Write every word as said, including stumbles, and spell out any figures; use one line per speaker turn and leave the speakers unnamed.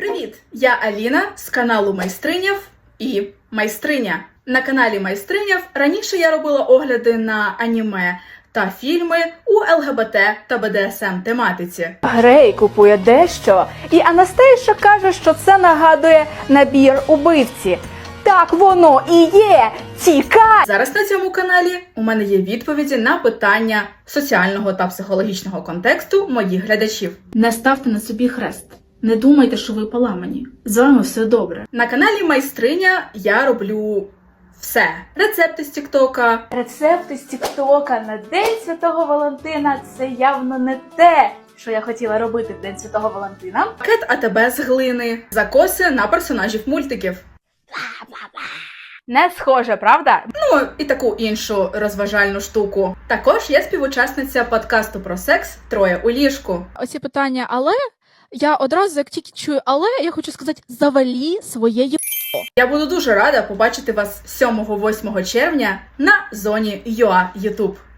Привіт! Я Аліна з каналу Майстриняв і Майстриня. На каналі Майстриняв раніше я робила огляди на аніме та фільми у ЛГБТ та БДСМ тематиці.
Грей купує дещо, і Анастейша каже, що це нагадує набір убивці. Так воно і є! Тікай!
Зараз на цьому каналі у мене є відповіді на питання соціального та психологічного контексту моїх глядачів.
Не ставте на собі хрест. Не думайте, що ви поламані. З вами все добре.
На каналі Майстриня я роблю все. Рецепти з Тіктока,
Рецепти з Тіктока на День Святого Валентина – це явно не те, що я хотіла робити в День Святого Валентина.
пакет АТБ з глини, закоси на персонажів мультиків.
Не схоже, правда?
Ну, і таку іншу розважальну штуку. Також я співучасниця подкасту про секс «Троє у ліжку».
Оці питання «але», я одразу, як тільки чую «але», я хочу сказати «завалі своє є».
Я буду дуже рада побачити вас сьомого-восьмого червня на зоні ю а YouTube.